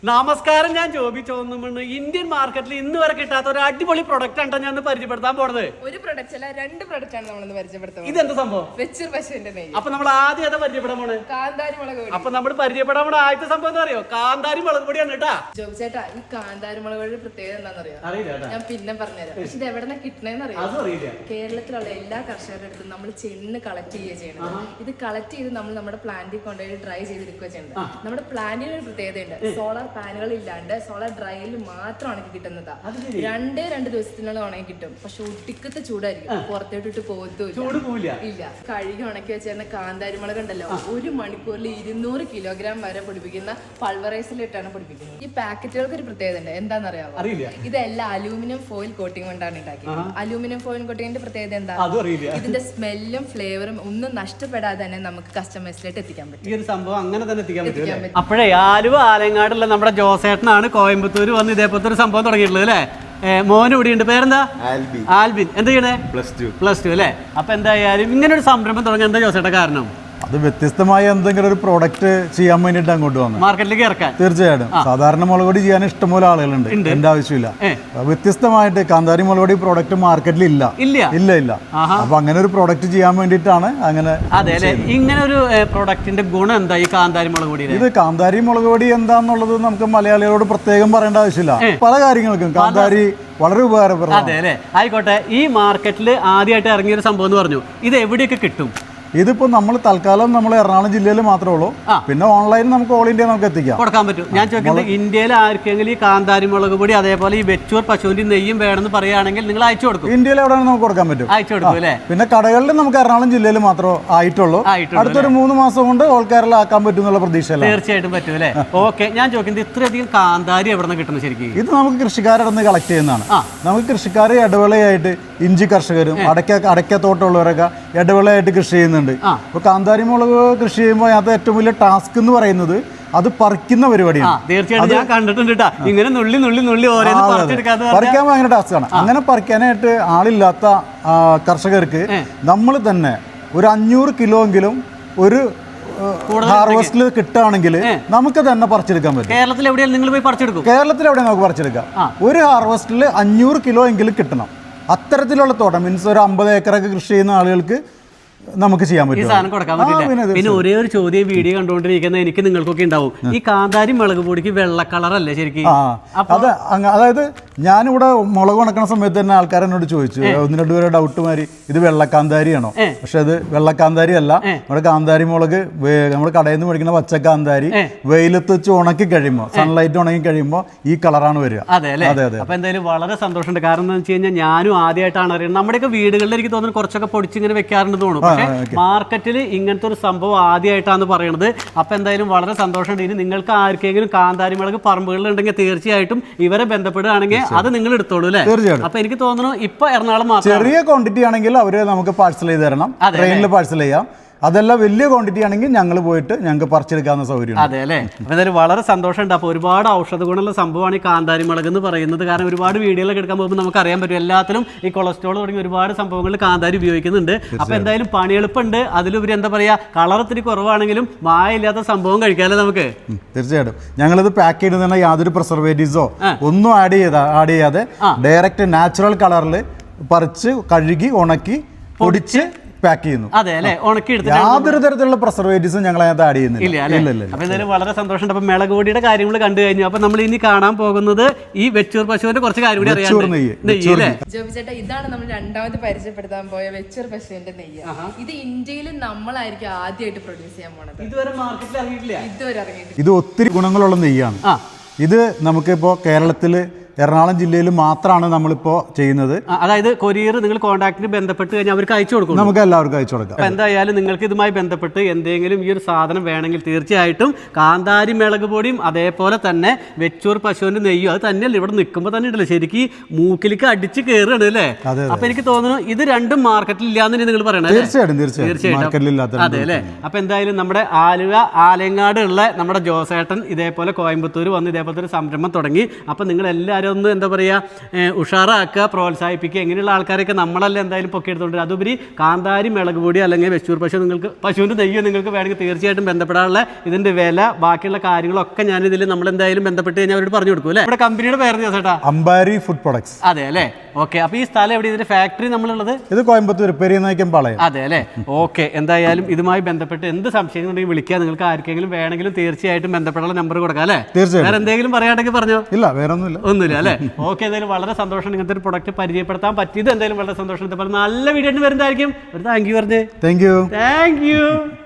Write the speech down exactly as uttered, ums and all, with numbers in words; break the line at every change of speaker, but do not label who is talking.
നമസ്കാരം, ഞാൻ ജോബി ചോന്നുമണ്ണ്. ഇന്ത്യൻ മാർക്കറ്റിൽ ഇന്ന് വരെ കിട്ടാത്ത ഒരു അടിപൊളി പ്രൊഡക്റ്റ് ആണ് ഞാൻ പരിചയപ്പെടുത്താൻ പോണത്.
ഒരു പ്രൊഡക്റ്റ് അല്ല, രണ്ട് പ്രൊഡക്റ്റ് ആണ് നമ്മൾ പരിചയപ്പെടുത്തുന്നത്.
ഇതെന്താ സംഭവം?
വെച്ചൂർ പശുവിന്റെ നെയ്യ്.
അപ്പൊ നമ്മൾ ആദ്യം ഏതാ പരിചയപ്പെടാൻ പോണേ?
കാന്താരി മുളക് പൊടി.
അപ്പൊ നമ്മൾ പരിചയപ്പെടാൻ പോണ ആദ്യത്തെ സംഭവം എന്താ അറിയോ? കാന്താരി മുളക് പൊടിയാണ് കേട്ടാ.
ജോബി ചേട്ടാ, ഈ കാന്താരി മുളക് പൊടി പ്രത്യേകത എന്താണെന്നറിയോ?
അറിയില്ല,
ഞാൻ പിന്നെ പറഞ്ഞുതരാം. പക്ഷെ ഇത് എവിടെ നിന്ന് കിട്ടണേന്ന് അറിയാം. കേരളത്തിലുള്ള എല്ലാ കർഷകരുടെ അടുത്തും നമ്മൾ ചെന്ന് കളക്ട് ചെയ്യുക ചെയ്യണം. ഇത് കളക്ട് ചെയ്ത് നമ്മൾ നമ്മുടെ പ്ലാന്റിൽ കൊണ്ടുപോയി ഡ്രൈ ചെയ്തെടുക്കുക ചെയ്യണം. നമ്മുടെ പ്ലാന്റിന് ഒരു പ്രത്യേകതയുണ്ട്. സോളാർ പാനുകൾ ഇല്ലാണ്ട് സോളാർ ഡ്രൈയിൽ മാത്രം ഉണക്കി കിട്ടുന്നതാ. രണ്ടേ രണ്ട് ദിവസത്തിനുള്ള ഉണങ്ങി കിട്ടും. പക്ഷെ ഒട്ടിക്കത്തെ ചൂടായിരിക്കും, പുറത്തോട്ടിട്ട് പോകത്തില്ല. ഇല്ല, കഴുകി ഉണക്കി വെച്ചിരുന്ന കാന്താരി മുളക് ഉണ്ടല്ലോ, ഒരു മണിക്കൂറിൽ ഇരുന്നൂറ് കിലോഗ്രാം വരെ പൊടിപ്പിക്കുന്ന പൾവറൈസിലിട്ടാണ് പൊടിപ്പിക്കുന്നത്. ഈ പാക്കറ്റുകൾക്ക് ഒരു പ്രത്യേകത ഉണ്ട്. എന്താണെന്നറിയാമോ? ഇതെല്ലാം അലൂമിനിയം ഫോയിൽ കോട്ടിംഗ് കൊണ്ടാണ് ഉണ്ടാക്കിയത്. അലൂമിനിയം ഫോയിൽ കോട്ടിങ്ങിന്റെ പ്രത്യേകത എന്താ? ഇതിന്റെ സ്മെല്ലും ഫ്ലേവറും ഒന്നും നഷ്ടപ്പെടാതെ തന്നെ നമുക്ക് കസ്റ്റമേഴ്സിലേക്ക് എത്തിക്കാൻ പറ്റും.
ഈ ഒരു സംഭവം അങ്ങനെ തന്നെ എത്തിക്കാൻ പറ്റും. അപ്പോഴേ ആലുവ ആലങ്ങാടുള്ള നമ്മുടെ ജോസേട്ടനാണ് കോയമ്പത്തൂര് വന്ന് ഇതേപോലത്തെ ഒരു സംഭവം തുടങ്ങിയിട്ടുള്ളത് അല്ലേ? മോന് ഇവിടെ ഉണ്ട്. പേരെന്താ? ആൽബിൻ. എന്താ ചെയ്യണേ? പ്ലസ് ടു പ്ലസ് ടു അല്ലേ? അപ്പൊ എന്തായാലും ഇങ്ങനെ ഒരു സംരംഭം തുടങ്ങാൻ എന്താ ജോസേട്ട കാരണം?
അത് വ്യത്യസ്തമായ എന്തെങ്കിലും ഒരു പ്രോഡക്റ്റ് ചെയ്യാൻ വേണ്ടിട്ട് അങ്ങോട്ട് വന്നു
മാർക്കറ്റിലേക്ക് ഇറക്കാൻ.
തീർച്ചയായിട്ടും സാധാരണ മുളക് പൊടി ചെയ്യാൻ ഇഷ്ടംപോലെ ആളുകളുണ്ട്, എന്റെ ആവശ്യമില്ല. വ്യത്യസ്തമായിട്ട് കാന്താരി മുളക് പൊടി പ്രോഡക്റ്റ് മാർക്കറ്റിൽ ഇല്ല ഇല്ല ഇല്ല അപ്പൊ അങ്ങനെ ഒരു പ്രോഡക്റ്റ് ചെയ്യാൻ വേണ്ടിയിട്ടാണ് അങ്ങനെ.
അതെ അല്ലെ, ഇങ്ങനെ ഒരു പ്രോഡക്റ്റിന്റെ ഗുണം എന്താ ഈ കാന്താരി മുളക് പൊടി?
ഇത് കാന്താരി മുളക് പൊടി എന്താന്നുള്ളത് നമുക്ക് മലയാളികളോട് പ്രത്യേകം പറയേണ്ട ആവശ്യമില്ല. പല കാര്യങ്ങൾക്കും കാന്താരി വളരെ ഉപകാരപ്രദം.
അതെ അല്ലെ, ആയിക്കോട്ടെ. ഈ മാർക്കറ്റിൽ ആദ്യമായിട്ട് ഇറങ്ങിയ ഒരു സംഭവം എന്ന് പറഞ്ഞു, ഇത് എവിടെയൊക്കെ കിട്ടും?
ഇതിപ്പോ നമ്മൾ തൽക്കാലം നമ്മൾ എറണാകുളം ജില്ലയിൽ മാത്രമേ ഉള്ളൂ. പിന്നെ ഓൺലൈനിൽ നമുക്ക് ഓൾ ഇന്ത്യ നമുക്ക് എത്തിക്കാം,
കൊടുക്കാൻ പറ്റും. ഞാൻ ചോദിക്കുന്നത്, ഇന്ത്യയിൽ ആർക്കെങ്കിലും ഈ കാന്താരി മുളക് പൊടി അതേപോലെ ഈ വെച്ചൂർ പശുവിന്റെ നെയ്യും വേണമെന്ന് പറയുകയാണെങ്കിൽ നിങ്ങൾ അയച്ചു കൊടുക്കും?
ഇന്ത്യയിൽ എവിടെയാണ് നമുക്ക് കൊടുക്കാൻ പറ്റും,
അയച്ചു കൊടുക്കും അല്ലേ?
പിന്നെ കടകളിൽ നമുക്ക് എറണാകുളം ജില്ലയിൽ മാത്രമേ ആയിട്ടുള്ളൂ. അടുത്തൊരു മൂന്ന് മാസം കൊണ്ട് ഓൾ കേരള ആക്കാൻ പറ്റും എന്നുള്ള പ്രതീക്ഷ.
തീർച്ചയായിട്ടും പറ്റും അല്ലേ? ഓക്കെ. ഞാൻ ചോദിക്കുന്നത്, ഇത്രയധികം കാന്താരി എവിടെ നിന്ന് കിട്ടുന്നത് ശരിക്കും?
ഇത് നമുക്ക് കൃഷിക്കാരുടെ നിന്ന് കളക്ട് ചെയ്യുന്നതാണ്. നമുക്ക് കൃഷിക്കാർ ഇടവേളയായിട്ട് ഇഞ്ചി കർഷകരും അടയ്ക്ക അടയ്ക്കത്തോട്ടമുള്ളവരൊക്കെ ഇടവേളയായിട്ട് കൃഷി ചെയ്യുന്നുണ്ട്. അപ്പൊ കാന്താരി മുളക് കൃഷി ചെയ്യുമ്പോൾ അതിനകത്ത് ഏറ്റവും വലിയ ടാസ്ക് എന്ന് പറയുന്നത് അത് പറിക്കുന്ന പരിപാടിയാണ്.
തീർച്ചയായിട്ടും ഞാൻ കണ്ടിട്ടുണ്ട്. ഇങ്ങനെ നുള്ളി നുള്ളി നുള്ളി
പറിക്കാൻ ഭയങ്കര ടാസ്ക്കാണ്. അങ്ങനെ പറിക്കാനായിട്ട് ആളില്ലാത്ത കർഷകർക്ക് നമ്മൾ തന്നെ ഒരു അഞ്ഞൂറ് കിലോ എങ്കിലും ഒരു ഹാർവസ്റ്റിൽ കിട്ടുകയാണെങ്കിൽ നമുക്ക് തന്നെ പറിച്ചെടുക്കാൻ പറ്റും.
കേരളത്തിൽ എവിടെയാണ് നിങ്ങൾ പോയി പറിച്ചെടുക്കും?
കേരളത്തിൽ എവിടെ നമുക്ക് പറിച്ചെടുക്കാം. ഒരു ഹാർവസ്റ്റിൽ അഞ്ഞൂറ് കിലോ എങ്കിലും കിട്ടണം. അത്തരത്തിലുള്ള തോട്ടം മീൻസ് ഒരു അമ്പത് ഏക്കറൊക്കെ കൃഷി ചെയ്യുന്ന ആളുകൾക്ക് നമുക്ക് ചെയ്യാൻ പറ്റും.
ഈ സാധനം കൊടുക്കാൻ പറ്റില്ല. പിന്നെ ഒരേ ഒരു ചോദ്യം വീഡിയോ കണ്ടുകൊണ്ടിരിക്കുന്ന എനിക്ക് നിങ്ങൾക്കൊക്കെ ഉണ്ടാവും, ഈ കാന്താരി മുളക് പൊടിക്ക് വെള്ള കളറല്ലേ ശരിക്കും?
അത് അതായത് ഞാനിവിടെ മുളക് ഉണക്കണ സമയത്ത് തന്നെ ആൾക്കാർ എന്നോട് ചോദിച്ചു, ഒന്ന് രണ്ടു പേരെ ഡൗട്ട് മാറി, ഇത് വെള്ളക്കാന്താരിയാണോ? പക്ഷെ അത് വെള്ളക്കാന്താരി അല്ല. നമ്മുടെ കാന്താരി മുളക് നമ്മുടെ കടയിൽ നിന്ന് മേടിക്കുന്ന പച്ചക്കാന്താരി വെയിലത്ത് വെച്ച് ഉണക്കി കഴിയുമ്പോൾ, സൺലൈറ്റ് ഉണങ്ങി കഴിയുമ്പോൾ ഈ കളറാണ് വരിക.
അതെ അല്ലേ? അപ്പൊ എന്തായാലും വളരെ സന്തോഷമുണ്ട്. കാരണം എന്താ വെച്ച് കഴിഞ്ഞാൽ ഞാനും ആദ്യമായിട്ടാണ് അറിയുന്നത്. നമ്മുടെയൊക്കെ വീടുകളിൽ എനിക്ക് തോന്നുന്നു കുറച്ചൊക്കെ പൊടിച്ചിങ്ങനെ വെക്കാറുണ്ട് തോന്നുന്നു. മാർക്കറ്റിൽ ഇങ്ങനത്തെ ഒരു സംഭവം ആദ്യമായിട്ടാണ് പറയണത്. അപ്പൊ എന്തായാലും വളരെ സന്തോഷമുണ്ട്. ഇനി നിങ്ങൾക്ക് ആർക്കെങ്കിലും കാന്താരി മുളക് പറമ്പുകളിൽ ഉണ്ടെങ്കിൽ തീർച്ചയായിട്ടും ഇവരെ ബന്ധപ്പെടുകയാണെങ്കിൽ അത് നിങ്ങൾ എടുത്തോളൂ അല്ലേ?
തീർച്ചയായിട്ടും.
അപ്പൊ എനിക്ക് തോന്നുന്നു ഇപ്പൊ എറണാകുളം മാത്രം
ചെറിയ ക്വാണ്ടിറ്റി ആണെങ്കിൽ അവര് നമുക്ക് പാഴ്സൽ ചെയ്ത് തരണം, ട്രെയിനിൽ പാഴ്സൽ ചെയ്യാം. അതല്ല വലിയ ക്വാണ്ടിറ്റി ആണെങ്കിൽ ഞങ്ങൾ പോയിട്ട് ഞങ്ങൾക്ക് പറിച്ചെടുക്കാവുന്ന സൗകര്യം.
അതെ അല്ലേ? അപ്പോൾ എന്തായാലും വളരെ സന്തോഷമുണ്ട്. അപ്പോൾ ഒരുപാട് ഔഷധ ഗുണമുള്ള സംഭവമാണ് ഈ കാന്താരി മുളക് എന്ന് പറയുന്നത്. കാരണം ഒരുപാട് വീഡിയോകളൊക്കെ എടുക്കാൻ പോകുമ്പോൾ നമുക്ക് അറിയാൻ പറ്റും, എല്ലാത്തിലും ഈ കൊളസ്ട്രോൾ തുടങ്ങി ഒരുപാട് സംഭവങ്ങളിൽ കാന്താരി ഉപയോഗിക്കുന്നുണ്ട്. അപ്പോൾ എന്തായാലും പണിയെളുപ്പുണ്ട്. അതിലുപരി എന്താ പറയുക, കളർ ഇത്തിരി കുറവാണെങ്കിലും മായമില്ലാത്ത സംഭവം കഴിക്കാമല്ലോ നമുക്ക്.
തീർച്ചയായിട്ടും. ഞങ്ങളിത് പാക്ക് ചെയ്യുന്ന യാതൊരു പ്രിസർവേറ്റീവ്സോ ഒന്നും ആഡ് ചെയ്താ ആഡ് ചെയ്യാതെ ഡയറക്റ്റ് നാച്ചുറൽ കളറിൽ പറിച്ച് കഴുകി ഉണക്കി പൊടിച്ച് പാക്ക് ചെയ്യുന്നു.
അതെ അല്ലേ? ഉണക്കി എടുത്ത്
യാതൊരു തരത്തിലുള്ള പ്രിസർവേറ്റീവ്സും ഞങ്ങൾ അതിനകത്ത് ആഡ് ചെയ്യുന്നില്ല.
അപ്പൊ എന്തായാലും വളരെ സന്തോഷമുണ്ട്. അപ്പൊ മുളക് പൊടിയുടെ കാര്യങ്ങൾ കണ്ടു കഴിഞ്ഞു. അപ്പൊ നമ്മൾ ഇനി കാണാൻ പോകുന്നത് ഈ വെച്ചൂർ പശുവിന്റെ കുറച്ച് കാര്യം കൂടി അറിയാം.
ജോബിച്ചേട്ടാ, ഇതാണ് നമ്മൾ രണ്ടാമത് പരിചയപ്പെടുത്താൻ പോയ വെച്ചൂർ പശുവിന്റെ നെയ്യ്. ഇത് ഇന്ത്യയിൽ നമ്മളായിരിക്കും ആദ്യമായിട്ട് പ്രൊഡ്യൂസ് ചെയ്യാൻ പോണത്.
ഇതുവരെ മാർക്കറ്റിൽ ഇറങ്ങിയിട്ടില്ല.
ഇതുവരെ ഇറങ്ങിയിട്ടില്ല.
ഇത് ഒത്തിരി ഗുണങ്ങളുള്ള നെയ്യാണ്. ഇത് നമുക്കിപ്പോ കേരളത്തില് എറണാകുളം ജില്ലയിൽ മാത്രമാണ് നമ്മളിപ്പോൾ ചെയ്യുന്നത്.
അതായത് കൊറിയർ നിങ്ങൾ കോൺടാക്റ്റിന് ബന്ധപ്പെട്ട് കഴിഞ്ഞാൽ അവർക്ക് അയച്ചു കൊടുക്കും,
നമുക്ക് എല്ലാവർക്കും അയച്ചു കൊടുക്കാം.
അപ്പോൾ എന്തായാലും നിങ്ങൾക്ക് ഇതുമായി ബന്ധപ്പെട്ട് എന്തെങ്കിലും ഈ ഒരു സാധനം വേണമെങ്കിൽ തീർച്ചയായിട്ടും കാന്താരി മുളക് പൊടിയും അതേപോലെ തന്നെ വെച്ചൂർ പശുവിന്റെ നെയ്യും അത് തന്നെയല്ല ഇവിടെ നിൽക്കുമ്പോൾ തന്നെ ഉണ്ടല്ലോ ശരിക്കും മൂക്കിലേക്ക് അടിച്ച് കയറുകയാണ് അല്ലേ? അപ്പൊ എനിക്ക് തോന്നുന്നു ഇത് രണ്ടും മാർക്കറ്റിൽ ഇല്ലാന്ന് നിങ്ങൾ പറയണത്.
തീർച്ചയായിട്ടും തീർച്ചയായിട്ടും
അതെ അല്ലേ? അപ്പൊ എന്തായാലും നമ്മുടെ ആലുവ ആലങ്ങാട് ഉള്ള നമ്മുടെ ജോസേട്ടൻ ഇതേപോലെ കോയമ്പത്തൂർ വന്ന് ഇതേപോലത്തെ ഒരു സംരംഭം തുടങ്ങി. അപ്പൊ നിങ്ങൾ എല്ലാവരും ഒന്ന് എന്താ പറയുക ഉഷാറാക്കുക, പ്രോത്സാഹിപ്പിക്കുക, ഇങ്ങനെയുള്ള ആൾക്കാരൊക്കെ നമ്മളല്ല എന്തായാലും പൊക്കി എടുത്തുകൊണ്ട് അതുപരി കാന്താരി മുളക് പൊടി അല്ലെങ്കിൽ വെച്ചൂർ പശു നിങ്ങൾക്ക് പശുവിൻ്റെ നെയ്യോ നിങ്ങൾക്ക് വേണമെങ്കിൽ തീർച്ചയായിട്ടും ബന്ധപ്പെടാനുള്ള ഇതിൻ്റെ വില ബാക്കിയുള്ള കാര്യങ്ങളൊക്കെ ഞാനിതിൽ നമ്മളെന്തായാലും ബന്ധപ്പെട്ട് കഴിഞ്ഞാൽ അവരോട് പറഞ്ഞു കൊടുക്കും അല്ലേ. ഇവിടെ കമ്പനിയുടെ പേര് ചേട്ടാ
അമ്പാരി ഫുഡ് പ്രൊഡക്ട്സ്.
അതെ അല്ലേ, ഓക്കെ. അപ്പോൾ ഈ സ്ഥലം എവിടെ, ഇതിൻ്റെ ഫാക്ടറി നമ്മളുള്ളത്?
ഇത് കോയമ്പത്തൂർ പെരിയനായ്ക്കൻ പാളയം.
അതെ അല്ലേ, ഓക്കെ. എന്തായാലും ഇതുമായി ബന്ധപ്പെട്ട് എന്ത് സംശയങ്ങളുണ്ടെങ്കിൽ വിളിക്കുക. നിങ്ങൾക്ക് ആർക്കെങ്കിലും വേണമെങ്കിലും തീർച്ചയായിട്ടും ബന്ധപ്പെടാനുള്ള നമ്പർ കൊടുക്കാം അല്ലേ.
തീർച്ചയായും.
വേറെ എന്തെങ്കിലും പറയാണ്ടെങ്കിൽ പറഞ്ഞോ?
ഇല്ല, വേറെ ഒന്നുമില്ല.
ഒന്നുമില്ല അല്ലേ. ഓക്കെ, എന്തായാലും വളരെ സന്തോഷം ഇങ്ങനത്തെ ഒരു പ്രൊഡക്റ്റ് പരിചയപ്പെടുത്താൻ പറ്റിയത്. എന്തായാലും വളരെ സന്തോഷം. ഇതുപോലെ നല്ല വീഡിയോ വരുന്നതായിരിക്കും. ഒരു താങ്ക് യു പറഞ്ഞേ.
Thank you
thank U